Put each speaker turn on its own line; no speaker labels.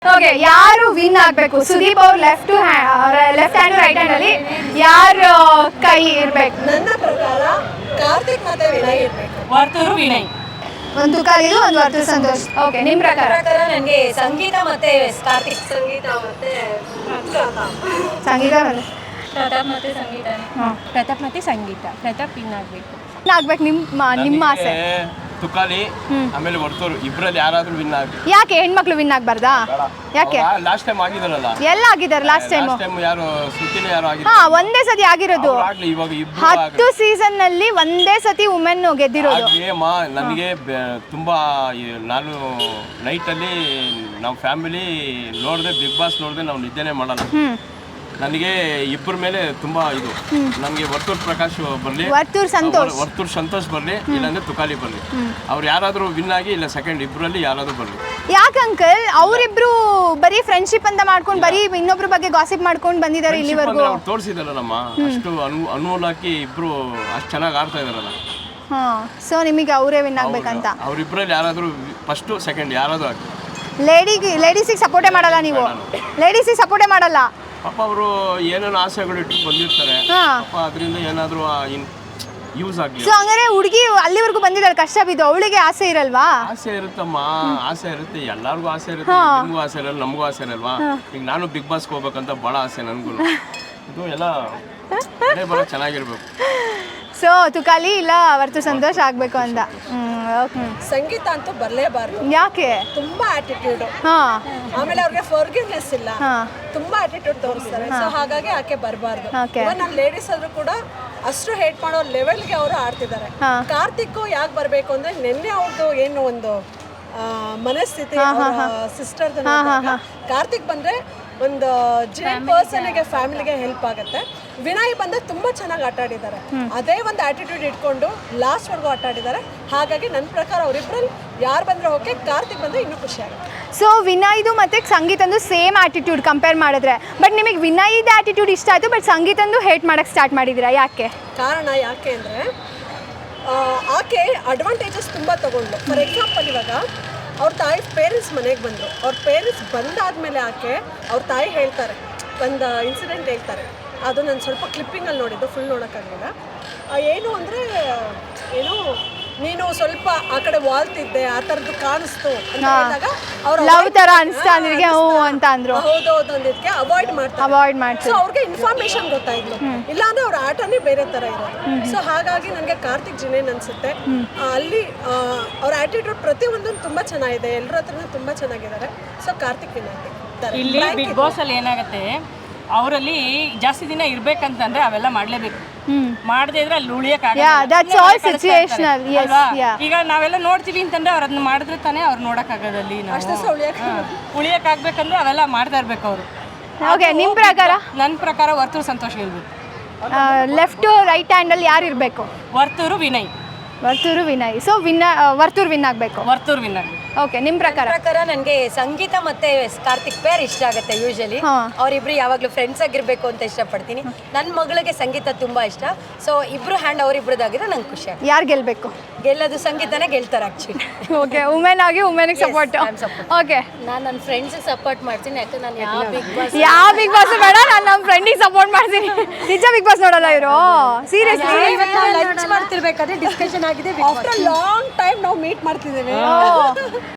Okay, ಯಾರು win ಆಗಬೇಕು? ಸುದೀಪ್ ಅವ್ರ ಲೆಫ್ಟ್ ಹ್ಯಾಂಡ್ ರೈಟ್ ಹ್ಯಾಂಡ್ ಅಲ್ಲಿ ಯಾರು ಕೈ ಇರಬೇಕು?
ನನ್ನ ಪ್ರಕಾರ ಕಾರ್ತಿಕ್ ಮತ್ತೆ ವಿನಯ್ ಇರಬೇಕು.
ವರ್ತೂರು ವಿನಯ್.
ಒಂದು ತುಕಾಲಿದು ಒಂದು ವರ್ತೂರು ಸಂತೋಷ್. ಓಕೆ, ನಿಮ್ಮ ಪ್ರಕಾರ?
ನನಗೆ ಸಂಗೀತ ಮತ್ತೆ ಕಾರ್ತಿಕ್. ಸಂಗೀತ ಮತ್ತೆ
ಸಂಗೀತ
ಪ್ರತಾಪ್ ಮತ್ತೆ ಸಂಗೀತ. ಪ್ರತಾಪ್ ಮತ್ತೆ ಸಂಗೀತ. ಪ್ರತಾಪ್ ವಿನ್ ಆಗಬೇಕು.
ಆಗ್ಬೇಕು ನಿಮ್ಮ ಆಸೆ?
ತುಕಾಲಿ ಆಮೇಲೆ ವರ್ತೂರು ಇಬ್ಬರಲ್ಲಿ ಯಾರಾದ್ರೂ ವಿನ್ ಆಗಿ.
ಯಾಕೆ ಹೆಣ್ಮಕ್ಳು ವಿನ್ ಆಗ್ಬಾರ್ದಾ? ಯಾಕೆ?
ಲಾಸ್ಟ್ ಟೈಮ್ ಆಗಿದಾರಲ್ಲ.
ಎಲ್ಲ ಆಗಿದ್ದಾರೆ ಲಾಸ್ಟ್ ಟೈಮ್.
ಯಾರು ಸುತ್ತಿನ ಯಾರು
ಹಾ, ಒಂದೇ ಸತಿ ಆಗಿರೋದು.
ಇವಾಗ
10 ಸೀಸನ್ ನಲ್ಲಿ ಒಂದೇ ಸತಿ ವುಮೆನ್ ಗೆದ್ದಿರೋದು.
ನನಗೆ ತುಂಬಾ ನಾನು ನೈಟ್ ಅಲ್ಲಿ ನಮ್ಮ ಫ್ಯಾಮಿಲಿ ನೋಡದೆ, ಬಿಗ್ ಬಾಸ್ ನೋಡದೆ ನಾವು ನಿದ್ದೆನೆ ಮಾಡಲ್ಲ. ನನಗೆ ಇಬ್ಬರ ಮೇಲೆ ತುಂಬಾ ಇದು. ನಮಗೆ ವರ್ತೂರ್ ಪ್ರಕಾಶ್ ಬರ್ಲಿ, ವರ್ತೂರ್ ಸಂತೋಷ್ ಬರ್ಲಿ, ಇಲ್ಲಾಂದ್ರೆ ತುಕಾಲಿ ಬರ್ಲಿ. ಅವ್ರು ಯಾರಾದ್ರೂ ವಿನ್ ಆಗಿ ಇಲ್ಲ ಸೆಕೆಂಡ್ ಇಬ್ಬರಲ್ಲಿ ಯಾರಾದ್ರೂ ಬರ್ಲಿ.
ಯಾಕೆ ಅಂಕಲ್ ಅವರಿಬ್ರು ಬರೀ ಫ್ರೆಂಡ್ಶಿಪ್ ಅಂತ ಮಾಡ್ಕೊಂಡು ಬರೀ ಇನ್ನೊಬ್ರ ಬಗ್ಗೆ ಗಾಸಿಪ್ ಮಾಡ್ಕೊಂಡು ಬಂದಿದ್ದಾರೆ ಇಲ್ಲಿವರೆಗೂ?
ಅವ್ರು ತೋರಿಸಿದಾರಲ್ಲ ನಮ್ಮ ಅಷ್ಟು ಅನುಮೋಲ್ ಹಾಕಿ ಇಬ್ರು ಅಷ್ಟು ಚೆನ್ನಾಗಿ ಆಡ್ತಾ ಇದಾರಲ್ಲ.
ಹಾ, ಸೊ ನಿಮಗೆ ಅವರೇ ವಿನ್ ಆಗ್ಬೇಕಂತ?
ಅವ್ರಿಬ್ರಲ್ಲಿ ಯಾರಾದ್ರೂ ಫಸ್ಟ್ ಸೆಕೆಂಡ್ ಯಾರಾದ್ರೂ ಆಗಿ.
ಲೇಡೀಸಿಗೆ ಸಪೋರ್ಟೇ ಮಾಡಲ್ಲ ನೀವು? ಲೇಡೀಸಿಗೆ ಸಪೋರ್ಟೇ ಮಾಡಲ್ಲ?
ಪಾಪ ಅವರು ಏನೇನು ಆಸೆಗಳು ಇಟ್ಟು ಬಂದಿರ್ತಾರೆ, ಪಾಪ ಅದರಿಂದ ಏನಾದರೂ ಯೂಸ್ ಆಗಲಿ.
ಸೊ ಹಂಗಾರೆ ಹುಡುಗಿ ಅಲ್ಲಿವರೆಗೂ ಬಂದಿದ್ದಾಳೆ ಕಷ್ಟ ಬಿದ್ದು, ಅವಳಿಗೆ ಆಸೆ ಇರಲ್ವಾ?
ಆಸೆ ಇರುತ್ತಮ್ಮ, ಆಸೆ ಇರುತ್ತೆ, ಎಲ್ಲರಿಗೂ ಆಸೆ ಇರುತ್ತೆ. ನಿಮಗೂ ಆಸೆ ಇರಲ್ಲ, ನಮಗೂ ಆಸೆ ಇರಲ್ವಾ? ಈಗ ನಾನು ಬಿಗ್ ಬಾಸ್ಗೆ ಹೋಗ್ಬೇಕಂತ ಭಾಳ ಆಸೆ ನನಗೂ. ಇದು ಎಲ್ಲ ಭಾಳ ಚೆನ್ನಾಗಿರ್ಬೇಕು.
ಸೊ ತುಕಾಲಿ ಇಲ್ಲ ವರ್ತೂರ್ ಸಂತೋಷ್ ಆಗ್ಬೇಕು ಅಂತ.
ಸಂಗೀತ ಅಂತೂ ಬರಲೇಬಾರ್ದು.
ಯಾಕೆ?
ತುಂಬಾ ಆಟಿಟ್ಯೂಡ್. ಆಮೇಲೆ ಅವ್ರಿಗೆ ಫರ್ಗಿವ್ನೆಸ್ ಇಲ್ಲ, ತುಂಬಾ ಆಟಿಟ್ಯೂಡ್ ತೋರಿಸ್ತಾರೆ. ಸೊ ಹಾಗಾಗಿ ಆಕೆ ಬರಬಾರ್ದು. ನಾನು ಲೇಡೀಸ್ ಆದ್ರೂ ಕೂಡ ಅಷ್ಟು ಹೇಟ್ ಮಾಡೋ ಲೆವೆಲ್ಗೆ ಅವರು ಆಡ್ತಿದ್ದಾರೆ. ಕಾರ್ತಿಕ್ ಯಾಕೆ ಬರಬೇಕು ಅಂದ್ರೆ ನಿನ್ನೆ ಅವ್ರದ್ದು ಏನು ಒಂದು ಮನಸ್ಥಿತಿ ಸಿಸ್ಟರ್ ಕಾರ್ತಿಕ್ ಬಂದ್ರೆ ಒಂದು ಜೆನ್ ಪರ್ಸನ್ಗೆ ಫ್ಯಾಮಿಲಿಗೆ ಹೆಲ್ಪ್ ಆಗುತ್ತೆ. ವಿನಯ್ ಬಂದ್ರೆ ತುಂಬಾ ಚೆನ್ನಾಗಿ ಆಟ ಆಡಿದ್ದಾರೆ. ಅದೇ ಒಂದು ಆಟಿಟ್ಯೂಡ್ ಇಟ್ಕೊಂಡು ಲಾಸ್ಟ್ ವರ್ಗೂ ಆಟ ಆಡಿದ್ದಾರೆ. ಹಾಗಾಗಿ ನನ್ನ ಪ್ರಕಾರ ಅವರಿಬ್ಬರಲ್ಲಿ ಯಾರು ಬಂದ್ರೆ ಓಕೆ, ಕಾರ್ತಿಕ್ ಬಂದ್ರೆ ಇನ್ನೂ ಖುಷಿ ಆಗುತ್ತೆ.
ಸೊ ವಿನಯ್ದು ಮತ್ತೆ ಸಂಗೀತಂದು ಸೇಮ್ ಆಟಿಟ್ಯೂಡ್ ಕಂಪೇರ್ ಮಾಡಿದ್ರೆ, ಬಟ್ ನಿಮಗೆ ವಿನಯ್ದು ಆಟಿಟ್ಯೂಡ್ ಇಷ್ಟ ಆಯ್ತು, ಬಟ್ ಸಂಗೀತಂದು ಹೇಟ್ ಮಾಡಕ್ಕೆ ಸ್ಟಾರ್ಟ್ ಮಾಡಿದ್ದೀರಾ, ಯಾಕೆ?
ಕಾರಣ ಯಾಕೆ ಅಂದರೆ ಆಕೆ ಅಡ್ವಾಂಟೇಜಸ್ ತುಂಬ ತಗೊಂಡ್ಲು. ಫಾರ್ ಎಕ್ಸಾಂಪಲ್, ಇವಾಗ ಅವ್ರ ತಾಯಿ ಪೇರೆಂಟ್ಸ್ ಮನೆಗೆ ಬಂದರು. ಅವ್ರ ಪೇರೆಂಟ್ಸ್ ಬಂದಾದಮೇಲೆ ಆಕೆ ಅವ್ರ ತಾಯಿ ಹೇಳ್ತಾರೆ, ಒಂದು ಇನ್ಸಿಡೆಂಟ್ ಹೇಳ್ತಾರೆ. ಅದು ನಾನು ಸ್ವಲ್ಪ ಕ್ಲಿಪ್ಪಿಂಗಲ್ಲಿ ನೋಡಿದ್ದು, ಫುಲ್ ನೋಡೋಕ್ಕಾಗಲಿಲ್ಲ. ಏನು ಅಂದರೆ ಏನು, ನೀನು ಸ್ವಲ್ಪ ಆ ಕಡೆ ವಾಲ್ತಿದ್ದೆ, ಆ ಥರದ್ದು ಕಾಣಿಸ್ತು ಅಂತ ಹೇಳಿದಾಗ ಅವ್ರು
ಲವ್ ಥರ ಅನಿಸ್ತಾ ಅಂತ ಅಂದರು.
ಹೌದೌದು ಅಂದಿದ್ದಕ್ಕೆ ಅವಾಯ್ಡ್ ಮಾಡ್ತಾರೆ. ಸೊ ಅವ್ರಿಗೆ ಇನ್ಫಾರ್ಮೇಶನ್ ಗೊತ್ತಾಯಿತು, ಇಲ್ಲಾಂದ್ರೆ ಅವ್ರ ಆಟನೇ ಬೇರೆ ಥರ ಇರೋದು. ಸೊ ಹಾಗಾಗಿ ನನಗೆ ಕಾರ್ತಿಕ್ ಜಿನೇನ್ ಅನಿಸುತ್ತೆ. ಅಲ್ಲಿ ಅವ್ರ ಆಟಿಟ್ಯೂಡ್ ಪ್ರತಿಯೊಂದನ್ನು ತುಂಬ ಚೆನ್ನಾಗಿದೆ, ಎಲ್ಲರ ಹತ್ರನೂ ತುಂಬ ಚೆನ್ನಾಗಿದ್ದಾರೆ. ಸೊ ಕಾರ್ತಿಕ್
ಇಲ್ಲಿ ಬಿಗ್ ಬಾಸ್ ಅಲ್ಲಿ ಏನಾಗುತ್ತೆ, ಅವರಲ್ಲಿ ಜಾಸ್ತಿ ದಿನ ಇರ್ಬೇಕಂತಂದ್ರೆ ಅವೆಲ್ಲ ಮಾಡ್ಲೇಬೇಕು. ಮಾಡದೇ ಇದ್ರೆ ಅಲ್ಲಿ ಈಗ ನಾವೆಲ್ಲ ನೋಡ್ತೀವಿ ಅಂತಂದ್ರೆ ಅವ್ರ ಅದನ್ನ ಮಾಡಿದ್ರೆ ತಾನೇ ಅವ್ರು ನೋಡಕ್ಕಾಗೋದಲ್ಲಿ. ಉಳಿಯಕ್ಕಾಗ್ಬೇಕಂದ್ರೆ ಅವೆಲ್ಲ ಮಾಡ್ತಾ ಇರ್ಬೇಕು ಅವರು.
ನಿಮ್ಮ ಪ್ರಕಾರ?
ನನ್ನ ಪ್ರಕಾರ ವರ್ತೂರು ಸಂತೋಷ್ ಗೆಲ್ಬೇಕು.
ಲೆಫ್ಟ್ ರೈಟ್ ಹ್ಯಾಂಡ್ ಅಲ್ಲಿ ಯಾರು ಇರಬೇಕು?
ವರ್ತೂರು ವಿನಯ್.
ಸೊ ವರ್ತೂರು ವಿನ್ ಆಗಬೇಕು.
ವರ್ತೂರು ವಿನ್ ಆಗಬೇಕು.
ಓಕೆ, ನಿಮ್ಮ ಪ್ರಕಾರ?
ನನಗೆ ಸಂಗೀತ ಮತ್ತೆ ಕಾರ್ತಿಕ್ ಪೇರ್ ಇಷ್ಟ ಆಗುತ್ತೆ. ಯೂಶಲಿ ಅವರಿಬ್ರು ಯಾವಾಗಲೂ ಫ್ರೆಂಡ್ಸ್ ಆಗಿರ್ಬೇಕು ಅಂತ ಇಷ್ಟಪಡ್ತೀನಿ. ನನ್ನ ಮಗಳಿಗೆ ಸಂಗೀತ ತುಂಬಾ ಇಷ್ಟ. ಸೊ ಇಬ್ರು ಹ್ಯಾಂಡ್ ಅವರಿಬ್ರದಾಗಿದ್ರೆ ನಂಗೆ ಖುಷಿ ಆಗುತ್ತೆ.
ಯಾರು ಗೆಲ್ಬೇಕು?
ಗೆಲ್ಲೋದು ಸಂಗೀತನೇ ಗೆಲ್ತಾರೆ ಆಕ್ಚುಲಿ.
ಓಕೆ, ವುಮೆನ್ ಆಗಿ ವುಮೆನ್ಗೆ ಸಪೋರ್ಟ್. ಓಕೆ,
ನಾನು ನನ್ನ ಫ್ರೆಂಡ್ಸಿಗೆ ಸಪೋರ್ಟ್ ಮಾಡ್ತೀನಿ. ಯಾಕಂದ್ರೆ ನಾನು ಯಾವ
ಬಿಗ್ ಬಾಸ್ ಬೇಡ, ನಾನು ನಮ್ಮ ಫ್ರೆಂಡಿಗೆ ಸಪೋರ್ಟ್ ಮಾಡ್ತೀನಿ. ನಿಜ ಬಿಗ್ ಬಾಸ್ ನೋಡಲ್ಲ ಇವರು? ಸೀರಿಯಸ್ಲಿ
ಲಂಚ್ ಮಾಡ್ತಿರ್ಬೇಕಾದ್ರೆ ಡಿಸ್ಕಷನ್ ಆಗಿದೆ. ಆಫ್ಟರ್ ಲಾಂಗ್ ಟೈಮ್ ನಾವು ಮೀಟ್ ಮಾಡ್ತಿದ್ದೇವೆ.